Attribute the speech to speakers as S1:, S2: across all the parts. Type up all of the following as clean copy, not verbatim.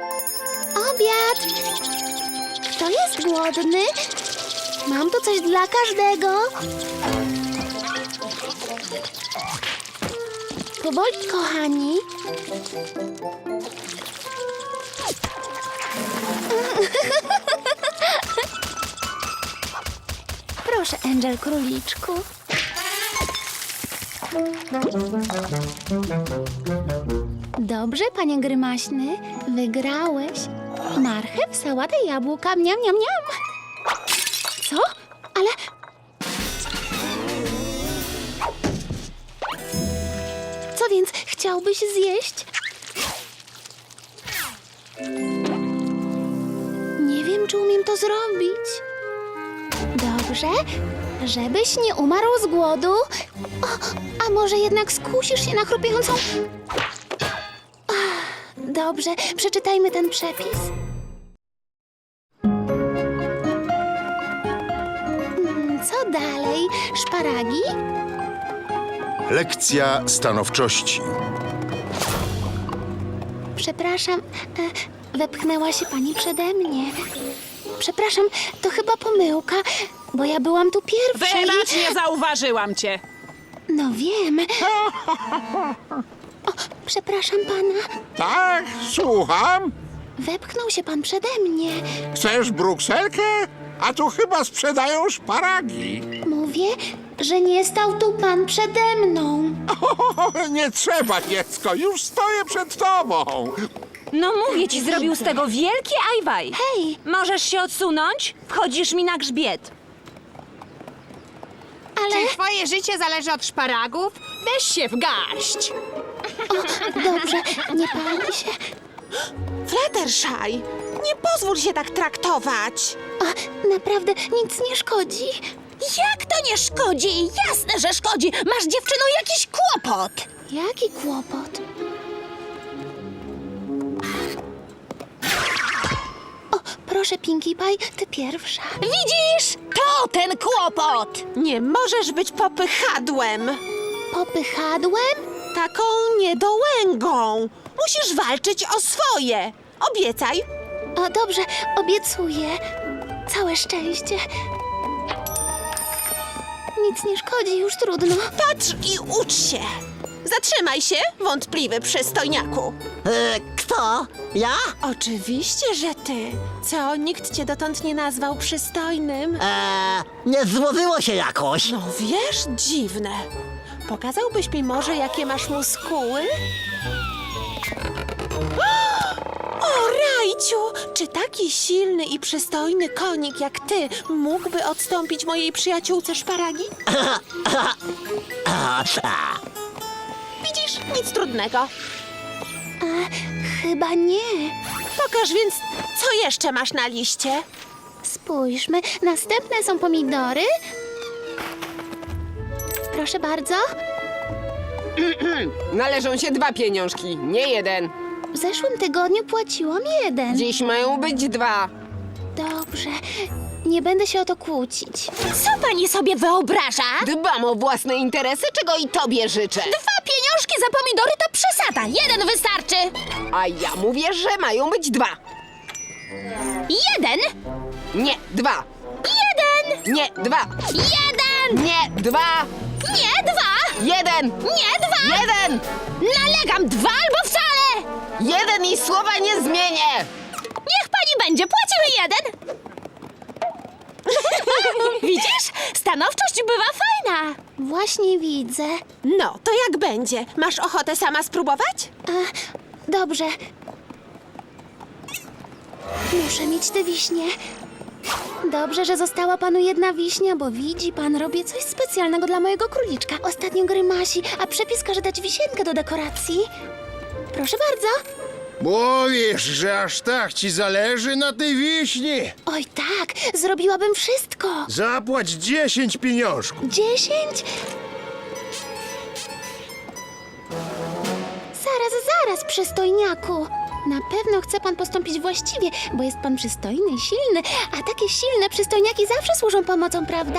S1: Obiad! Kto jest głodny? Mam tu coś dla każdego. Powoli, kochani. Proszę, Angel króliczku. Dobrze, panie Grymaśny. Wygrałeś. Marchew, sałatę, jabłka, miam, miam, miam. Co? Ale... Co więc chciałbyś zjeść? Nie wiem, czy umiem to zrobić. Dobrze, żebyś nie umarł z głodu. O, a może jednak skusisz się na chrupiącą... Dobrze, przeczytajmy ten przepis. Co dalej? Szparagi?
S2: Lekcja stanowczości.
S1: Przepraszam, wepchnęła się pani przede mnie. Przepraszam, to chyba pomyłka, bo ja byłam tu pierwsza
S3: Wybacz, nie zauważyłam cię.
S1: No wiem. O, przepraszam pana.
S4: Tak, słucham.
S1: Wepchnął się pan przede mnie.
S4: Chcesz brukselkę? A tu chyba sprzedają szparagi.
S1: Mówię, że nie stał tu pan przede mną.
S4: Nie trzeba, dziecko, już stoję przed tobą.
S5: No mówię ci, zrobił z tego wielkie ajwaj.
S1: Hej,
S5: Możesz się odsunąć? Wchodzisz mi na grzbiet.
S1: ale...
S6: Czy twoje życie zależy od szparagów? Weź się w garść!
S1: Dobrze, nie pali się.
S7: Fluttershy, nie pozwól się tak traktować.
S1: O, naprawdę nic nie szkodzi.
S7: Jak to nie szkodzi? Jasne, że szkodzi. Masz, dziewczyno, jakiś kłopot.
S1: Jaki kłopot? O, proszę, Pinkie Pie, ty pierwsza.
S7: Widzisz? To ten kłopot. Nie możesz być popychadłem.
S1: Popychadłem?
S7: Taką niedołęgą. Musisz walczyć o swoje. Obiecaj.
S1: O, dobrze, obiecuję. Całe szczęście. Nic nie szkodzi, już trudno.
S7: Patrz i ucz się. Zatrzymaj się, wątpliwy przystojniaku.
S8: Kto? Ja?
S7: Oczywiście, że ty. Co, nikt cię dotąd nie nazwał przystojnym?
S8: Nie złożyło się jakoś.
S7: No wiesz, dziwne. Pokazałbyś mi może, jakie masz muskuły? O, Rajciu! Czy taki silny i przystojny konik jak ty mógłby odstąpić mojej przyjaciółce szparagi? Widzisz, nic trudnego.
S1: Chyba nie.
S7: Pokaż więc, co jeszcze masz na liście?
S1: Spójrzmy, następne są pomidory. Proszę bardzo.
S6: Należą się 2 pieniążki, nie 1.
S1: W zeszłym tygodniu płaciłam 1.
S6: Dziś mają być 2.
S1: Dobrze, nie będę się o to kłócić.
S7: Co pani sobie wyobraża?
S6: Dbam o własne interesy, czego i tobie życzę.
S7: 2 pieniążki za pomidory to przesada. 1 wystarczy.
S6: A ja mówię, że mają być 2.
S7: 1!
S6: Nie, 2.
S7: 1!
S6: Nie, 2.
S7: 1!
S6: Nie, 2.
S7: Nie 2!
S6: 1.
S7: Nie 2!
S6: 1.
S7: Nalegam 2 albo wcale!
S6: 1 i słowa nie zmienię.
S7: Niech pani będzie, płacimy 1! Widzisz? Stanowczość bywa fajna.
S1: Właśnie widzę.
S7: No, to jak będzie? Masz ochotę sama spróbować?
S1: Dobrze. Muszę mieć tę wiśnię. Dobrze, że została panu 1 wiśnia, bo widzi pan, robię coś specjalnego dla mojego króliczka. Ostatnio grymasi, a przepis każe dać wisienkę do dekoracji. Proszę bardzo.
S2: Mówisz, że aż tak ci zależy na tej wiśni?
S1: Oj tak, zrobiłabym wszystko.
S2: Zapłać 10 pieniążków.
S1: 10? Zaraz, przystojniaku. Na pewno chce pan postąpić właściwie, bo jest pan przystojny i silny, a takie silne przystojniaki zawsze służą pomocą, prawda?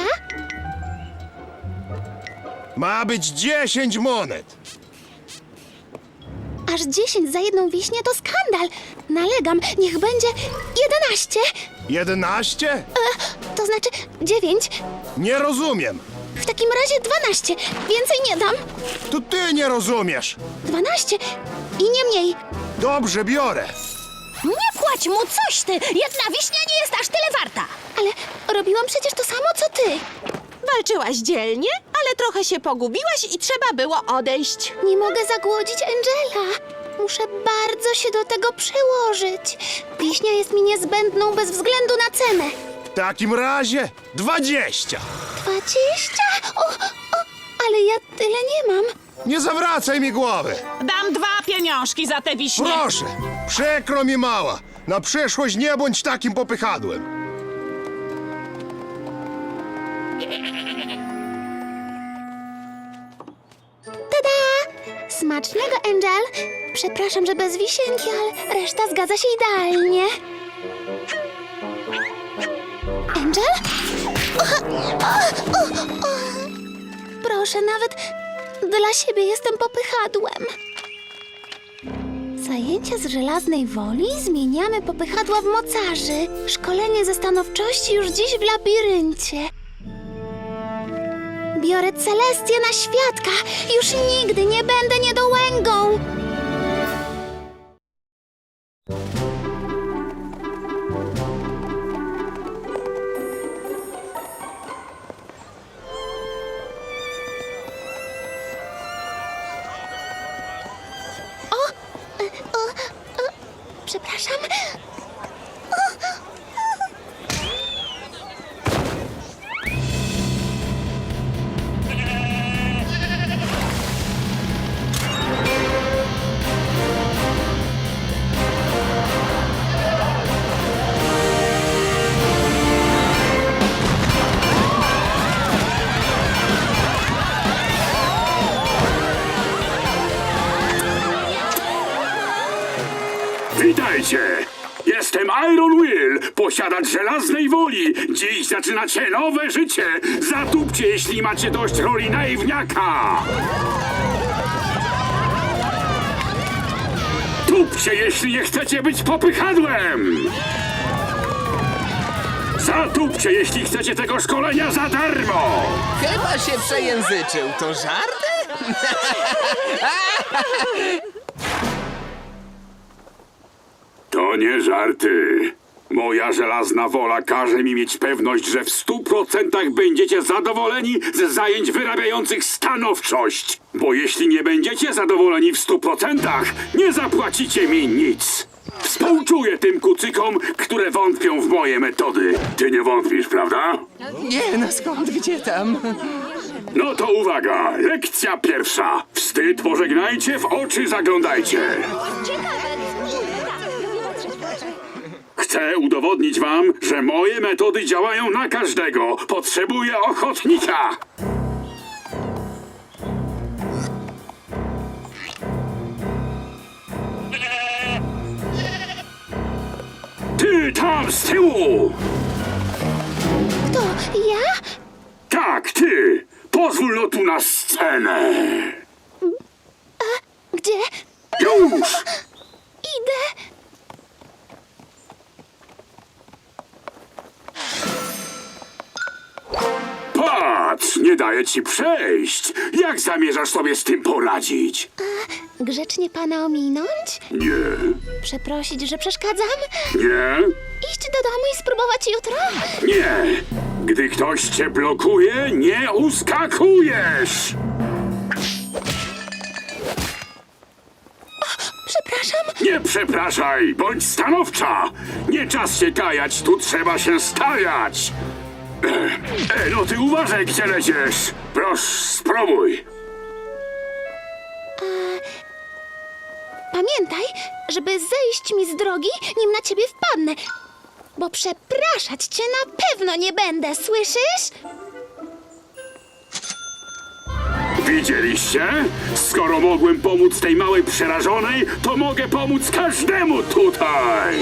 S2: Ma być 10 monet.
S1: Aż 10 za 1 wiśnię to skandal. Nalegam, niech będzie 11.
S2: 11?
S1: To znaczy 9.
S2: Nie rozumiem.
S1: W takim razie 12. Więcej nie dam.
S2: To ty nie rozumiesz.
S1: 12 i nie mniej.
S2: Dobrze, biorę.
S5: Nie płać mu coś ty! Jedna wiśnia nie jest aż tyle warta!
S1: Ale robiłam przecież to samo, co ty.
S7: Walczyłaś dzielnie, ale trochę się pogubiłaś i trzeba było odejść.
S1: Nie mogę zagłodzić Angela. Muszę bardzo się do tego przyłożyć. Wiśnia jest mi niezbędną bez względu na cenę.
S2: W takim razie 20.
S1: 20? Ale ja tyle nie mam.
S2: Nie zawracaj mi głowy.
S3: Dam 2 pieniążki za te wiśnie.
S2: Proszę, przykro mi mała. Na przyszłość nie bądź takim popychadłem.
S1: Tada! Smacznego, Angel. Przepraszam, że bez wisienki, ale reszta zgadza się idealnie. Angel? Proszę, nawet dla siebie jestem popychadłem. Zajęcia z żelaznej woli zmieniamy popychadła w mocarzy. Szkolenie ze stanowczości już dziś w labiryncie. Biorę Celestię na świadka. Już nigdy nie będę niedołęgą. Przepraszam.
S9: Witajcie! Jestem Iron Will, posiadacz żelaznej woli. Dziś zaczynacie nowe życie. Zatupcie, jeśli macie dość roli naiwniaka. Tupcie, jeśli nie chcecie być popychadłem. Zatupcie, jeśli chcecie tego szkolenia za darmo.
S10: Chyba się przejęzyczył. To żarty?
S9: To nie żarty. Moja żelazna wola każe mi mieć pewność, że w 100% będziecie zadowoleni z zajęć wyrabiających stanowczość. Bo jeśli nie będziecie zadowoleni w 100%, nie zapłacicie mi nic. Współczuję tym kucykom, które wątpią w moje metody. Ty nie wątpisz, prawda?
S10: Nie, no skąd, gdzie tam?
S9: No to uwaga, lekcja pierwsza. Wstyd pożegnajcie, w oczy zaglądajcie. Chcę udowodnić wam, że moje metody działają na każdego. Potrzebuję ochotnika. Ty tam z tyłu!
S1: To ja?
S9: Tak, ty! Pozwól no tu na scenę!
S1: Gdzie?
S9: Już!
S1: Idę.
S9: Patrz, nie daję ci przejść. Jak zamierzasz sobie z tym poradzić?
S1: Grzecznie pana ominąć?
S9: Nie,
S1: Przeprosić, że przeszkadzam?
S9: nie,
S1: Iść do domu i spróbować jutro?
S9: nie. Gdy ktoś cię blokuje, nie uskakujesz.
S1: Przepraszam.
S9: Nie przepraszaj, bądź stanowcza. Nie czas się kajać, tu trzeba się stawiać. No ty uważaj, gdzie lecisz. Proszę, spróbuj.
S1: Pamiętaj, żeby zejść mi z drogi, nim na ciebie wpadnę. Bo przepraszać cię na pewno nie będę, słyszysz?
S9: Widzieliście? Skoro mogłem pomóc tej małej przerażonej, to mogę pomóc każdemu tutaj.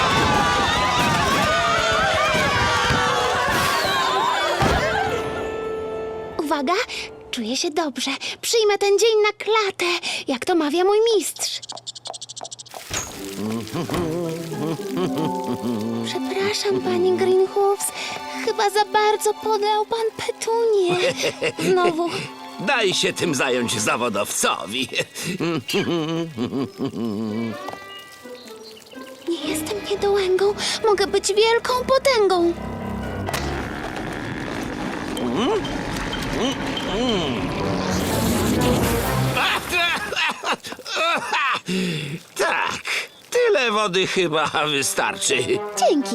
S1: Uwaga, czuję się dobrze. Przyjmę ten dzień na klatę, jak to mawia mój mistrz. Przepraszam, pani Greenhoofs. Chyba za bardzo podał pan Petunię. Znowu.
S11: Daj się tym zająć zawodowcowi.
S1: Nie jestem niedołęgą. Mogę być wielką potęgą.
S11: Tak, tyle wody chyba wystarczy.
S1: Dzięki.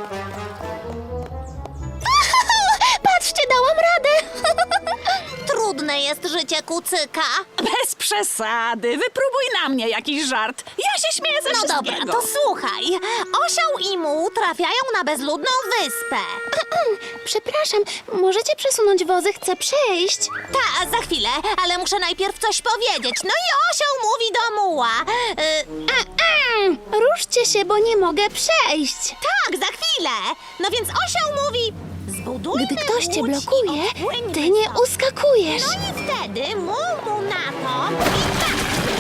S1: Patrzcie, dałam radę.
S5: Trudne jest życie kucyka.
S3: Bez przesady. Wypróbuj na mnie jakiś żart. Ja się śmieję ze
S5: No
S3: wszystkiego.
S5: dobra, to słuchaj. Osioł i muł trafiają na bezludną wyspę.
S1: Przepraszam, możecie przesunąć wozy? Chcę przejść.
S5: Ta, za chwilę, ale muszę najpierw coś powiedzieć. No i osioł mówi do muła.
S1: Ruszcie się, bo nie mogę przejść.
S5: Tak, za chwilę. No więc osioł mówi... Zbudujmy
S1: Gdy ktoś cię
S5: łódź i
S1: blokuje,
S5: odpłyńmy
S1: ty nie
S5: stąd.
S1: uskakujesz.
S5: No i wtedy muł mu na to i tak.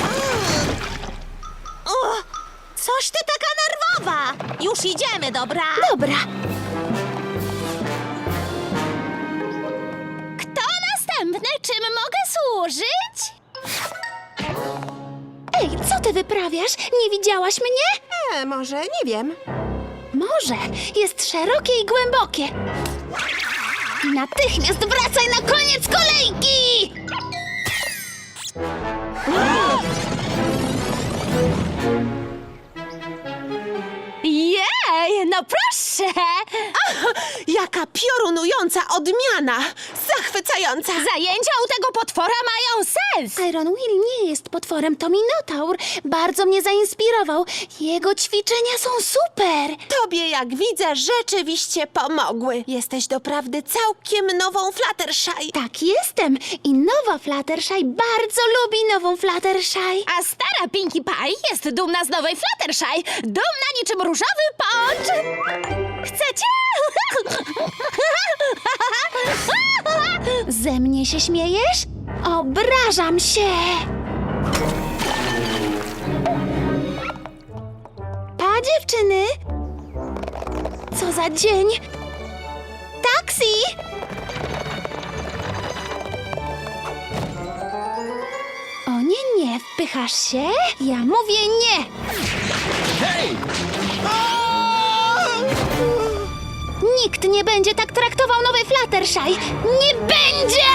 S5: Coś ty taka nerwowa. Już idziemy, dobra?
S1: Dobra.
S5: Kto następny? Czym mogę służyć?
S1: Ej, co ty wyprawiasz? Nie widziałaś mnie?
S7: Może, nie wiem.
S1: Morze jest szerokie i głębokie. Natychmiast wracaj na koniec kolejki!
S5: Jej, no proszę!
S7: Jaka piorunująca odmiana! Zachwycająca!
S5: Zajęcia u tego potwora mają sens!
S1: Iron Will nie jest potworem, to Minotaur. Bardzo mnie zainspirował. Jego ćwiczenia są super.
S7: Tobie, jak widzę, rzeczywiście pomogły. Jesteś doprawdy całkiem nową Fluttershy.
S1: Tak jestem. I nowa Fluttershy bardzo lubi nową Fluttershy.
S5: A stara Pinkie Pie jest dumna z nowej Fluttershy. Dumna niczym różowy pącz. Chcecie?
S1: Ze mnie się śmiejesz? Obrażam się. Pa, dziewczyny. Co za dzień. Taksi! O nie, nie, wpychasz się? Ja mówię nie.
S11: Hej!
S1: Nikt nie będzie tak traktował nowej Fluttershy. Nie będzie!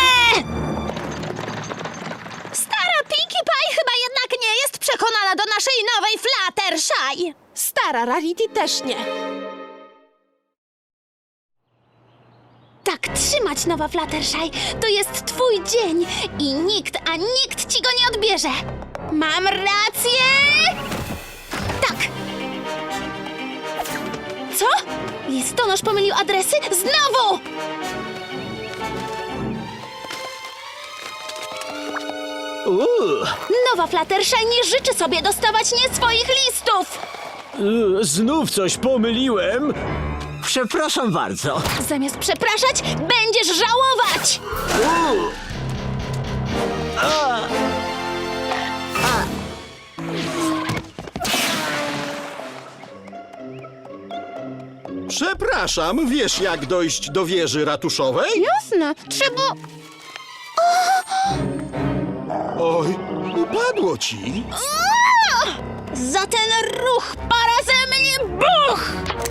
S5: Stara Pinkie Pie chyba jednak nie jest przekonana do naszej nowej Fluttershy.
S7: Stara Rarity też nie.
S1: Tak trzymać, nowa Fluttershy. To jest twój dzień i nikt ci go nie odbierze. Mam rację? Tak. Co? Listonosz pomylił adresy? Znowu! Nowa Fluttershy nie życzy sobie dostawać nie swoich listów.
S12: Znów coś pomyliłem?
S8: Przepraszam bardzo.
S1: Zamiast przepraszać, będziesz żałować!
S12: Przepraszam, wiesz jak dojść do wieży ratuszowej?
S1: Jasne, trzeba...
S12: Oj, upadło ci.
S1: Za ten ruch para ze mnie buch!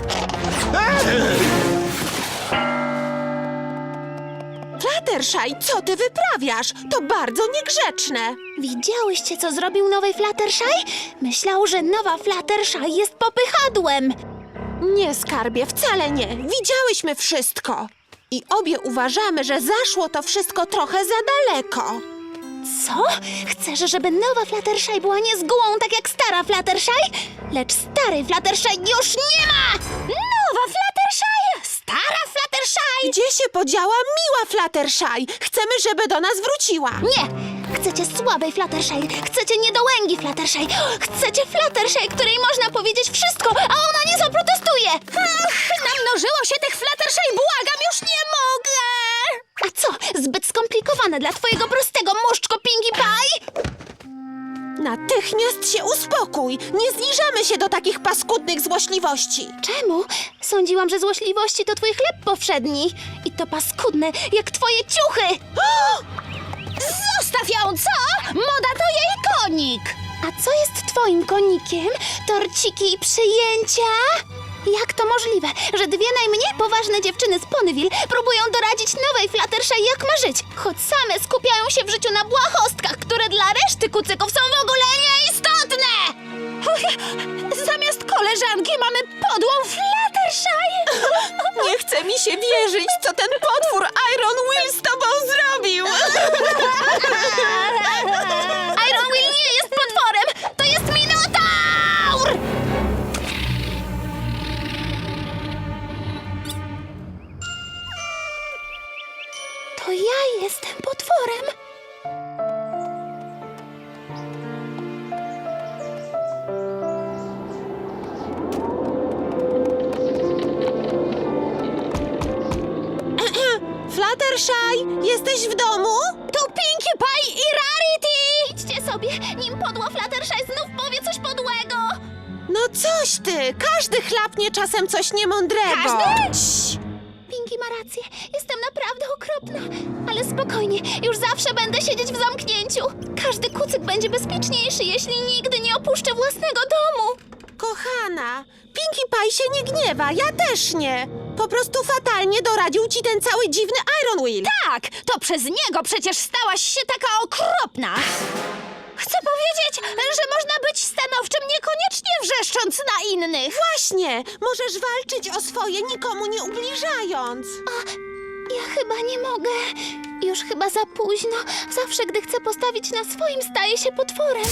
S7: Fluttershy, co ty wyprawiasz? To bardzo niegrzeczne.
S1: Widziałyście, co zrobił nowej Fluttershy? Myślał, że nowa Fluttershy jest popychadłem.
S7: Nie, skarbie, wcale nie. Widziałyśmy wszystko. I obie uważamy, że zaszło to wszystko trochę za daleko.
S1: Co? Chcesz, żeby nowa Fluttershy była niezgołą, tak jak stara Fluttershy? Lecz starej Fluttershy już nie ma!
S5: Nowa Fluttershy! Stara Fluttershy!
S7: Gdzie się podziała miła Fluttershy? Chcemy, żeby do nas wróciła.
S1: Nie! Chcecie słabej Fluttershy, chcecie niedołęgi Fluttershy, chcecie Fluttershy, której można powiedzieć wszystko, a ona nie zaprotestuje!
S5: Namnożyło się tych Fluttershy, błagam, już nie mogę!
S1: A co, zbyt skomplikowane dla twojego prostego muszczko Pinkie Pie?
S7: Natychmiast się uspokój! Nie zniżamy się do takich paskudnych złośliwości!
S1: Czemu? Sądziłam, że złośliwości to twój chleb powszedni. I to paskudne, jak twoje ciuchy!
S5: Zostaw ją, co? Moda to jej konik!
S1: A co jest twoim konikiem? Torciki i przyjęcia? Jak to możliwe, że dwie najmniej poważne dziewczyny z Ponyville próbują doradzić nowej Fluttershy, jak ma żyć, choć same skupiają się w życiu na błahostkach, które dla reszty kucyków są w ogóle nieistotne!
S5: Zamiast koleżanki mamy podłą Fluttershy!
S7: Nie chce mi się wierzyć, co ten potwór Iron Will z tobą zrobił!
S1: Iron Will nie jest potworem! To jest Minotaur! To ja jestem potworem.
S7: Fluttershy, jesteś w domu?
S5: Tu Pinkie Pie i Rarity!
S1: Idźcie sobie, nim podła Fluttershy znów powie coś podłego.
S7: No coś ty, każdy chlapnie czasem coś niemądrego.
S5: Każdy?
S7: Cii.
S1: Pinkie ma rację, jestem naprawdę okropna. Ale spokojnie, już zawsze będę siedzieć w zamknięciu. Każdy kucyk będzie bezpieczniejszy, jeśli nigdy nie opuszczę własnego domu.
S7: Kochana, Pinkie Pie się nie gniewa, ja też nie. Po prostu fatalnie doradził ci ten cały dziwny Iron Will.
S5: Tak, to przez niego przecież stałaś się taka okropna. Chcę powiedzieć, że można być stanowczym niekoniecznie wrzeszcząc na innych.
S7: Właśnie, możesz walczyć o swoje, nikomu nie ubliżając.
S1: Ja chyba nie mogę. Już chyba za późno. Zawsze, gdy chcę postawić na swoim, staję się potworem.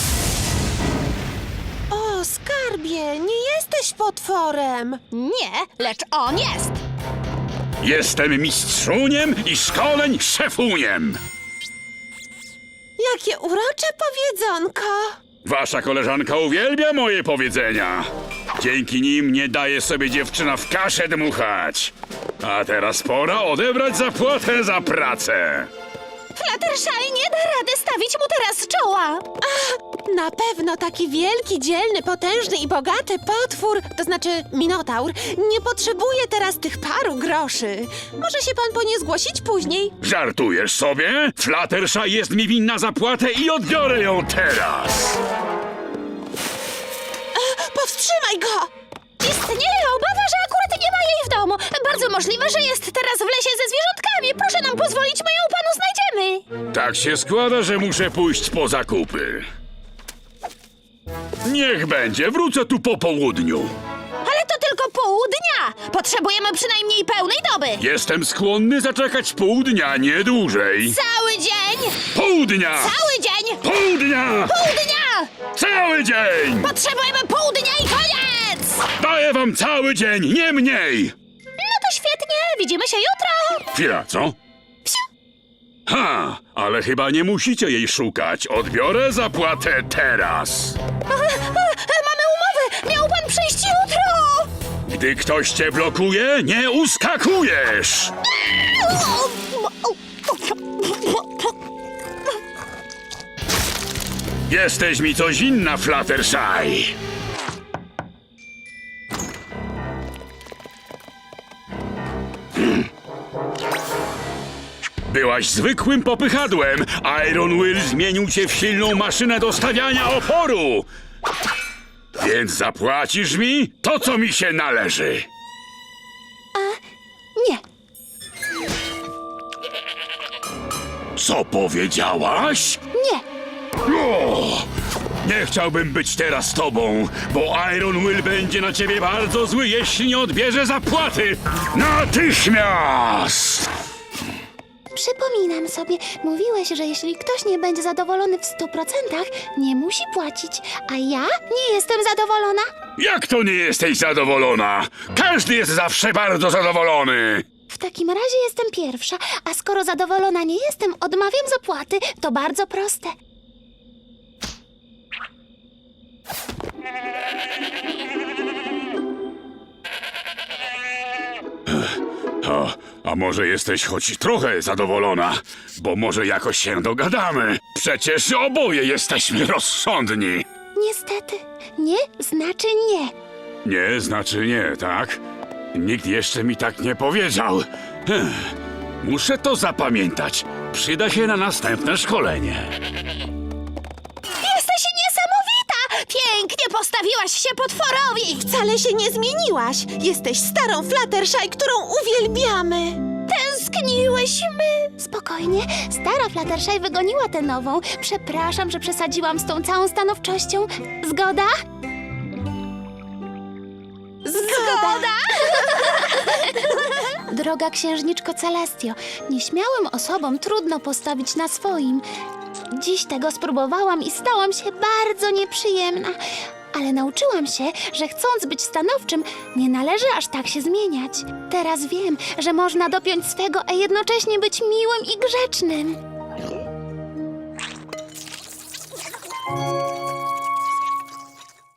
S7: O, skarbie, nie jesteś potworem.
S5: Nie, lecz on jest.
S9: Jestem mistrzuniem i szkoleń szefuniem.
S7: Jakie urocze powiedzonko.
S9: Wasza koleżanka uwielbia moje powiedzenia. Dzięki nim nie daje sobie dziewczyna w kaszę dmuchać. A teraz pora odebrać zapłatę za pracę.
S5: Fluttershy nie da rady stawić mu teraz czoła.
S7: Na pewno taki wielki, dzielny, potężny i bogaty potwór, to znaczy Minotaur, nie potrzebuje teraz tych paru groszy. Może się pan po nie zgłosić później?
S9: Żartujesz sobie? Fluttershy jest mi winna zapłatę i odbiorę ją teraz.
S7: Powstrzymaj go!
S5: Istnieje obawa, że akurat nie ma jej w domu. Bardzo możliwe, że jest teraz w lesie ze zwierzątkami. Proszę nam pozwolić, my ją panu znajdziemy.
S9: Tak się składa, że muszę pójść po zakupy. Niech będzie, wrócę tu po południu.
S5: Ale to tylko pół dnia. Potrzebujemy przynajmniej pełnej doby.
S9: Jestem skłonny zaczekać pół dnia, nie dłużej.
S5: Cały dzień.
S9: Pół dnia!
S5: Cały dzień.
S9: Pół dnia!
S5: Pół dnia.
S9: Cały dzień!
S5: Potrzebujemy pół dnia i koniec.
S9: Daję wam cały dzień, nie mniej!
S5: No to świetnie. Widzimy się jutro.
S9: Chwila, co? Ha, ale chyba nie musicie jej szukać. Odbiorę zapłatę teraz.
S5: Mamy umowę. Miał pan przyjść jutro.
S9: Gdy ktoś cię blokuje, nie uskakujesz! Jesteś mi coś inna, Fluttershy. Byłaś zwykłym popychadłem. Iron Will zmienił cię w silną maszynę do stawiania oporu. Więc zapłacisz mi to, co mi się należy.
S1: Nie.
S9: Co powiedziałaś?
S1: Nie.
S9: O! Nie chciałbym być teraz z tobą, bo Iron Will będzie na ciebie bardzo zły, jeśli nie odbierze zapłaty. Natychmiast!
S1: Przypominam sobie, mówiłeś, że jeśli ktoś nie będzie zadowolony w 100%, nie musi płacić, a ja nie jestem zadowolona.
S9: Jak to nie jesteś zadowolona? Każdy jest zawsze bardzo zadowolony.
S1: W takim razie jestem pierwsza, a skoro zadowolona nie jestem, odmawiam zapłaty. To bardzo proste.
S9: A może jesteś choć trochę zadowolona, bo może jakoś się dogadamy. Przecież oboje jesteśmy rozsądni.
S1: Niestety, nie znaczy nie.
S9: Nie znaczy nie, tak? Nikt jeszcze mi tak nie powiedział. Muszę to zapamiętać. Przyda się na następne szkolenie.
S5: Jesteś niesamowita! Pięknie postawiłaś się potworowi!
S7: Wcale się nie zmieniłaś. Jesteś starą Fluttershy, którą uwielbiamy.
S5: Tęskniłyśmy!
S1: Spokojnie, stara Fluttershy wygoniła tę nową. Przepraszam, że przesadziłam z tą całą stanowczością. Zgoda?
S5: Zgoda!
S1: Droga księżniczko Celestio, nieśmiałym osobom trudno postawić na swoim. Dziś tego spróbowałam i stałam się bardzo nieprzyjemna. Ale nauczyłam się, że chcąc być stanowczym, nie należy aż tak się zmieniać. Teraz wiem, że można dopiąć swego, a jednocześnie być miłym i grzecznym.